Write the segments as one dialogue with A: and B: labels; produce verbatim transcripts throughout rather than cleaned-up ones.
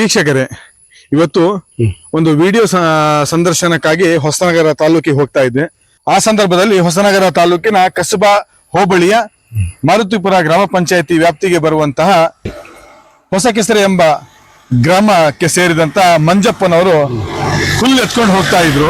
A: ವೀಕ್ಷಕರೇ, ಇವತ್ತು ಒಂದು ವಿಡಿಯೋ ಸಂದರ್ಶನಕ್ಕಾಗಿ ಹೊಸನಗರ ತಾಲೂಕಿಗೆ ಹೋಗ್ತಾ ಇದ್ದೆ. ಆ ಸಂದರ್ಭದಲ್ಲಿ ಹೊಸನಗರ ತಾಲೂಕಿನ ಕಸಬಾ ಹೋಬಳಿಯ ಮಾರುತಿಪುರ ಗ್ರಾಮ ಪಂಚಾಯತಿ ವ್ಯಾಪ್ತಿಗೆ ಬರುವಂತಹ ಹೊಸಕೆಸರೆ ಎಂಬ ಗ್ರಾಮಕ್ಕೆ ಸೇರಿದಂತ ಮಂಜಪ್ಪನವರು ಹುಲ್ಲು ಎತ್ಕೊಂಡು ಹೋಗ್ತಾ ಇದ್ರು.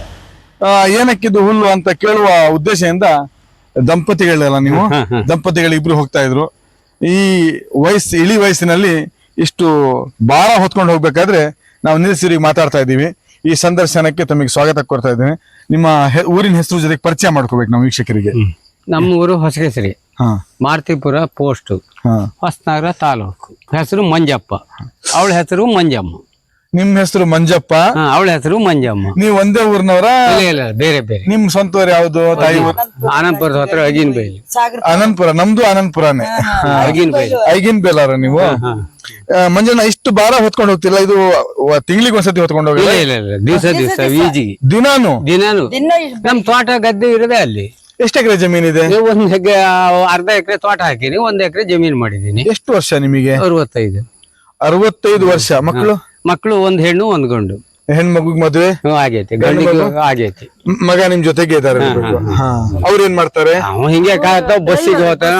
A: ಏನಕ್ಕಿದು ಹುಲ್ಲು ಅಂತ ಕೇಳುವ ಉದ್ದೇಶದಿಂದ ದಂಪತಿಗಳೆಲ್ಲ ನೀವು ದಂಪತಿಗಳಿಬ್ರು ಹೋಗ್ತಾ ಇದ್ರು. ಈ ವಯಸ್ಸು ಇಳಿ ವಯಸ್ಸಿನಲ್ಲಿ ಇಷ್ಟು ಭಾರ ಹೊತ್ಕೊಂಡು ಹೋಗ್ಬೇಕಾದ್ರೆ ನಾವು ನಿಲ್ಸಿರಿಗೆ ಮಾತಾಡ್ತಾ ಇದ್ದೀವಿ. ಈ ಸಂದರ್ಶನಕ್ಕೆ ತಮಗೆ ಸ್ವಾಗತ ಕೊಡ್ತಾ ಇದ್ದೇನೆ. ನಿಮ್ಮ ಊರಿನ ಹೆಸರು ಜೊತೆಗೆ ಪರಿಚಯ ಮಾಡ್ಕೋಬೇಕು ನಾವು ವೀಕ್ಷಕರಿಗೆ.
B: ನಮ್ಮ ಊರು ಹೊಸಕೆಸರೆ, ಮಾರುತಿಪುರ ಪೋಸ್ಟ್, ಹೊಸನಗರ ತಾಲೂಕು. ಹೆಸರು ಮಂಜಪ್ಪ, ಅವಳ ಹೆಸರು ಮಂಜಮ್ಮ.
A: ನಿಮ್ ಹೆಸರು ಮಂಜಪ್ಪ,
B: ಅವಳ ಹೆಸರು ಮಂಜಮ್ಮ.
A: ನೀವು ಒಂದೇ ಊರಿನವರ?
B: ಇಲ್ಲ, ಬೇರೆ ಬೇರೆ.
A: ನಿಮ್ ಸ್ವಂತ ಊರು ಯಾವ್ದು? ತಾಯಿ ಊರು
B: ಆನಂದಪುರದ ಹತ್ರ ಅಗಿನ್ ಬೈಲಿ.
A: ಆನಂದಪುರ. ನಮ್ದು ಆನಂದಪುರಾನೇ.
B: ಅಗಿನ್ ಬೈಲಿ.
A: ಐಗಿನ್ ಬೇಲಾರ ನೀವು? ಮಂಜಣ್ಣ, ಇಷ್ಟು ಭಾರ ಹೊತ್ಕೊಂಡು ಹೋಗ್ತಿಲ್ಲ? ಇದು ತಿಂಗಳಿಗೆ ಒಂದ್ಸತಿ ಹೊತ್ಕೊಂಡು ಹೋಗಿ?
B: ಇಲ್ಲ ಇಲ್ಲ, ದಿವಸ ದಿವಸ ವೀಜಿಗೆ
A: ದಿನಾನು
B: ದಿನಾನು. ನಮ್ ತೋಟ ಗದ್ದೆ ಇರೋದೇ ಅಲ್ಲಿ.
A: ಎಷ್ಟು ಎಕರೆ ಜಮೀನಿದೆ?
B: ಒಂದ್ ಎಕರೆ, ಅರ್ಧ ಎಕರೆ ತೋಟ ಹಾಕಿನಿ, ಒಂದ್ ಎಕರೆ ಜಮೀನ್ ಮಾಡಿದೀನಿ.
A: ಎಷ್ಟು ವರ್ಷ ನಿಮಗೆ?
B: ಅರವತ್ತೈದು.
A: ಅರವತ್ತೈದು ವರ್ಷ. ಮಕ್ಕಳು?
B: ಮಕ್ಕಳು ಒಂದ್ ಹೆಣ್ಣು ಒಂದ್ ಗಂಡು.
A: ಹೆಣ್ಮಗುಗ್ ಮದುವೆ
B: ಆಗೈತಿ, ಗಂಡಿಗೂ ಆಗೈತಿ.
A: ಮಗ ನಿಮ್ ಜೊತೆಗೆ ಇದಾರೆ? ಅವ್ರ ಏನ್ ಮಾಡ್ತಾರೆ?
B: ಅವ ಹಿಂಗೆ ಕಾಯ್ತಾವ, ಬಸ್ಸಿಗೆ ಹೋಗ್ತಾನ.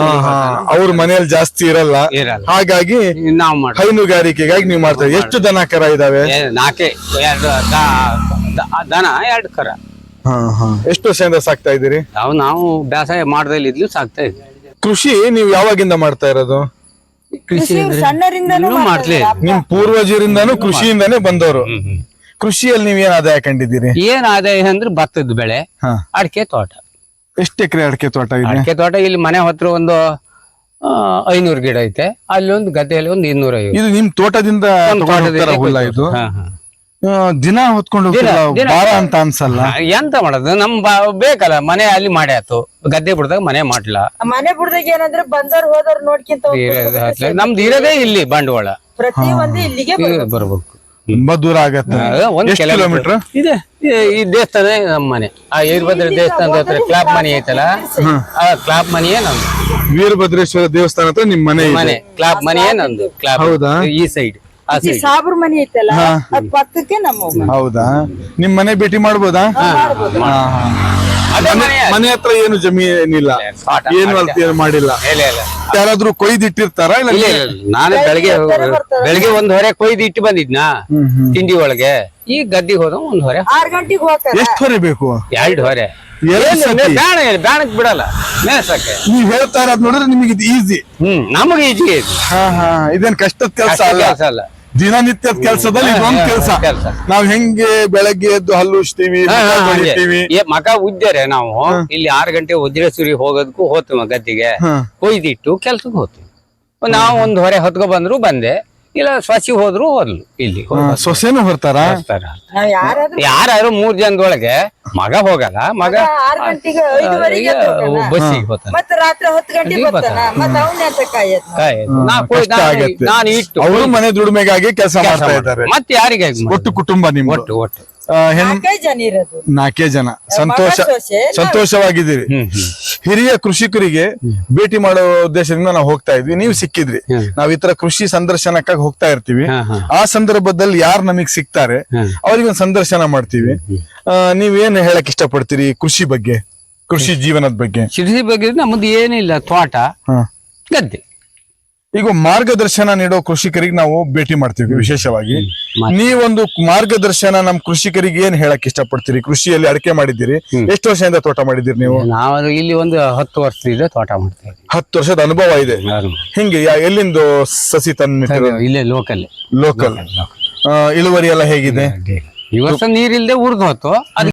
A: ಅವ್ರ ಮನೆಯಲ್ಲಿ ಜಾಸ್ತಿ ಇರಲ್ಲ, ಹಾಗಾಗಿ
B: ನಾವ್ ಮಾಡ್ತೀವಿ.
A: ಹೈನುಗಾರಿಕೆಗಾಗಿ ನೀವು ಮಾಡ್ತಾರೆ. ಎಷ್ಟು ದನ ಕರ ಇದಾವೆ?
B: ನಾಲ್ಕೆ, ಎರಡು ದನ, ಎರಡು ಕರ.
A: ಎಷ್ಟು ವರ್ಷದಿಂದ ಸಾಕ್ತಾ ಇದ್ದೀರಿ?
B: ನಾವು ನಾವು ಬೇಸಾಯ ಮಾಡ್ದಲ್ಲಿ ಇದ್ಲು ಸಾಕ್ತಾ ಇದ್ವಿ.
A: ಕೃಷಿ ನೀವು ಯಾವಾಗಿಂದ ಮಾಡ್ತಾ ಇರೋದು?
B: ಕೃಷಿ ಮಾಡ್ಲಿ.
A: ನಿಮ್ ಪೂರ್ವಜರಿಂದಾನು ಕೃಷಿಯಿಂದಾನೇ ಬಂದವರು. ಕೃಷಿಯಲ್ಲಿ ನೀವ್ ಏನ್ ಆದಾಯ ಕಂಡಿದ್ದೀರಿ?
B: ಏನ್ ಆದಾಯ ಅಂದ್ರೆ ಭತ್ತದ ಬೆಳೆ, ಅಡಿಕೆ ತೋಟ.
A: ಎಷ್ಟು ಎಕರೆ ಅಡಿಕೆ ತೋಟ ಇದೆ?
B: ಅಡಿಕೆ ತೋಟ ಇಲ್ಲಿ ಮನೆ ಹತ್ರ ಒಂದು ಐನೂರು ಗಿಡ ಐತೆ. ಅಲ್ಲಿ ಒಂದು ಗದ್ದೆಯಲ್ಲಿ ಒಂದು ಇನ್ನೂರ ಐವತ್ತು.
A: ಇದು ನಿಮ್ ತೋಟದಿಂದ ಹುಲ್ಲ? ಇದು ದಿನ ಹೊತ್ಕೊಂಡು ಭಾರ ಅಂತ ಅನ್ಸಲ್ಲ?
B: ಎಂತ ಮಾಡೋದು, ನಮ್ ಬೇಕಲ್ಲ, ಮನೆ ಅಲ್ಲಿ ಮಾಡಿ ಆಯ್ತು, ಗದ್ದೆ ಬಿಡ್ದಾಗ ಮನೆ ಮಾಡ್ಲಾ.
C: ಮನೆ ಬಿಡ್ದಾಗ ಏನಂದ್ರೆ ಬಂದವ್ರು ಹೋದವ್ರು ನೋಡ್ಕಿಂತ
B: ನಮ್ದು ಇರೋದೇ ಇಲ್ಲಿ ಬಂಡವಾಳ.
C: ಪ್ರತಿ ಒಂದು ಇಲ್ಲಿಗೆ
B: ಬರ್ಬೇಕು.
A: ತುಂಬಾ ದೂರ ಆಗತ್ತೆ.
B: ಒಂದ್ ಕಿಲೋಮೀಟರ್ ಇದೆ. ಈ ದೇವಸ್ಥಾನ ನಮ್ಮ ಮನೆ, ಆ ವೀರಭದ್ರ ದೇವಸ್ಥಾನದ ಹತ್ರ ಕ್ಲಾಪ್ ಮನಿ ಐತಲ್ಲ, ಆ ಕ್ಲಾಪ್ ಮನಿಯೇ ನಮ್ದು.
A: ವೀರಭದ್ರೇಶ್ವರ ದೇವಸ್ಥಾನ ಹತ್ರ ನಿಮ್ ಮನೆ?
B: ಮನೆ ಕ್ಲಾಪ್ ಮನಿಯೇ ನಮ್ದು. ಕ್ಲಾಪ್ ಈ ಸೈಡ್
C: ಸಾಬ್ರ ಮನಿ ಐತಲ್ಲ, ಅದ್ ಪಕ್ಕಕ್ಕೆ ನಮ್ಮ.
A: ಹೌದಾ? ನಿಮ್ ಮನೆ ಭೇಟಿ ಮಾಡ್ಬೋದಾ? ಮನೆ ಹತ್ರ ಏನು ಜಮೀನಿಲ್ಲ, ಏನು ಅಲ್ತ ಮಾಡಿಲ್ಲ? ಯಾರಾದ್ರೂ ಕೊಯ್ದಿಟ್ಟಿರ್ತಾರ? ಇಲ್ಲ,
B: ನಾನು ಬೆಳಗ್ಗೆ ಬೆಳಗ್ಗೆ ಒಂದ್ ಹೊರೆ ಕೊಯ್ದು ಇಟ್ಟು ಬಂದಿದ್ನಾ ತಿಂಡಿ ಒಳಗೆ. ಈ ಗದ್ದಿಗೆ ಹೋದ ಒಂದ್ ಹೊರೆ.
C: ಆರ್ ಗಂಟೆಗೆ ಹೋಗ್ತಾರೆ.
A: ಎಷ್ಟು ಹೊರೆ ಬೇಕು?
B: ಎರಡು ಹೊರೆ. ಬ್ಯಾಣಕ್ ಬಿಡಲ್ಲ ಮೇಸಕ್ಕೆ.
A: ನೀವ್ ಹೇಳ್ತಾ ಇರೋದ್ ನೋಡಿದ್ರೆ ನಿಮಗೆ ಇದು ಈಸಿ.
B: ಹ್ಮ್, ನಮಗೆ ಈಜಿ.
A: ಇದೇನ್ ಕಷ್ಟದ ಕೆಲಸ ಅಲ್ಲ, ದಿನನಿತ್ಯದ ಕೆಲಸದಲ್ಲಿ ಇದೊಂದು ಕೆಲಸ. ನಾವ್ ಹೆಂಗೆ ಬೆಳಗ್ಗೆ ಎದ್ದು ಹಲ್ಲು ಉಜ್ತೀವಿ,
B: ಮಗ ಉಜ್ಜರೆ ನಾವು ಇಲ್ಲಿ ಆರು ಗಂಟೆ ವಜ್ರೇಶ್ವರಿ ಹೋಗೋದಕ್ಕೂ ಹೋಗ್ತೀವಿ ಗದ್ದಿಗೆ. ಕೊಯ್ದಿಟ್ಟು ಕೆಲ್ಸಕ್ಕೆ ಹೋಗ್ತೀವಿ. ನಾವು ಒಂದ್ ಹೊರೆ ಹೊತ್ಕೊ ಬಂದ್ರು ಬಂದೆ, ಇಲ್ಲ ಸೊಸಿ ಹೋದ್ರು ಹೋದ್ಲು. ಇಲ್ಲಿ
A: ಸೊಸೆನೂ ಹೊರ್ತಾರ?
B: ಯಾರು ಮೂರ್ ಜನದೊಳಗೆ ಮಗ ಹೋಗಲ್ಲ. ಮಗ
C: ಆರ್ ಗಂಟೆಗೆ ಐದುವರೆಗೆ
B: ಬಸ್ಸಿಗೆ ಹೋಗ್ತಾನೆ.
C: ಮತ್ತೆ ರಾತ್ರಿ ಹತ್ತು ಗಂಟೆಗೆ ಬರ್ತಾನ. ಮತ್ತೆ ಅವನ
B: ನಾನು ಇಟ್ಟು
A: ಅವರು ಮನೆ ದುಡಿಮೆಗಾಗಿ ಕೆಲಸ ಮಾಡ್ತಾ ಇದ್ದಾರೆ.
B: ಮತ್ತೆ ಯಾರಿಗೆ?
A: ಒಟ್ಟು ಕುಟುಂಬ ನಿಮ್?
B: ಒಟ್ಟು ಒಟ್ಟು
A: ನಾಲ್ಕೇ ಜನ. ಸಂತೋಷ, ಸಂತೋಷವಾಗಿದ್ದೀರಿ. ಹಿರಿಯ ಕೃಷಿಕರಿಗೆ ಭೇಟಿ ಮಾಡೋ ಉದ್ದೇಶದಿಂದ ನಾವು ಹೋಗ್ತಾ ಇದ್ವಿ, ನೀವು ಸಿಕ್ಕಿದ್ರಿ. ನಾವ್ ಈ ತರ ಕೃಷಿ ಸಂದರ್ಶನಕ್ಕಾಗಿ ಹೋಗ್ತಾ ಇರ್ತೀವಿ. ಆ ಸಂದರ್ಭದಲ್ಲಿ ಯಾರು ನಮಗ್ ಸಿಗ್ತಾರೆ ಅವ್ರಿಗೆ ಒಂದು ಸಂದರ್ಶನ ಮಾಡ್ತೀವಿ. ನೀವೇನ್ ಹೇಳಕ್ ಇಷ್ಟಪಡ್ತೀರಿ ಕೃಷಿ ಬಗ್ಗೆ, ಕೃಷಿ ಜೀವನದ ಬಗ್ಗೆ?
B: ಕೃಷಿ ಬಗ್ಗೆ ನಮ್ದು ಏನಿಲ್ಲ, ತೋಟ ಗದ್ದೆ.
A: ಈಗ ಮಾರ್ಗದರ್ಶನ ನೀಡೋ ಕೃಷಿಕರಿಗೆ ನಾವು ಭೇಟಿ ಮಾಡ್ತೀವಿ ವಿಶೇಷವಾಗಿ. ನೀವೊಂದು ಮಾರ್ಗದರ್ಶನ ನಮ್ ಕೃಷಿಕರಿಗೆ ಏನ್ ಹೇಳಕ್ ಇಷ್ಟಪಡ್ತೀರಿ? ಕೃಷಿಯಲ್ಲಿ ಅಡಿಕೆ ಮಾಡಿದ್ದೀರಿ, ಎಷ್ಟು ವರ್ಷದಿಂದ ತೋಟ ಮಾಡಿದ್ದೀರಿ ನೀವು?
B: ನಾವು ಇಲ್ಲಿ ಒಂದು ಹತ್ತು ವರ್ಷದಿಂದ ತೋಟ ಮಾಡ್ತೇವೆ.
A: ಹತ್ತು ವರ್ಷದ ಅನುಭವ ಇದೆ. ಹಿಂಗೆ ಎಲ್ಲಿಂದ ಸಸಿ ತಂದು?
B: ಇಲ್ಲೇ ಲೋಕಲ್.
A: ಲೋಕಲ್. ಇಳುವರಿ ಎಲ್ಲ ಹೇಗಿದೆ?
B: ಈ ವರ್ಷ ನೀರಿಲ್ದೆ ಉರ್ದು ಹೋತು.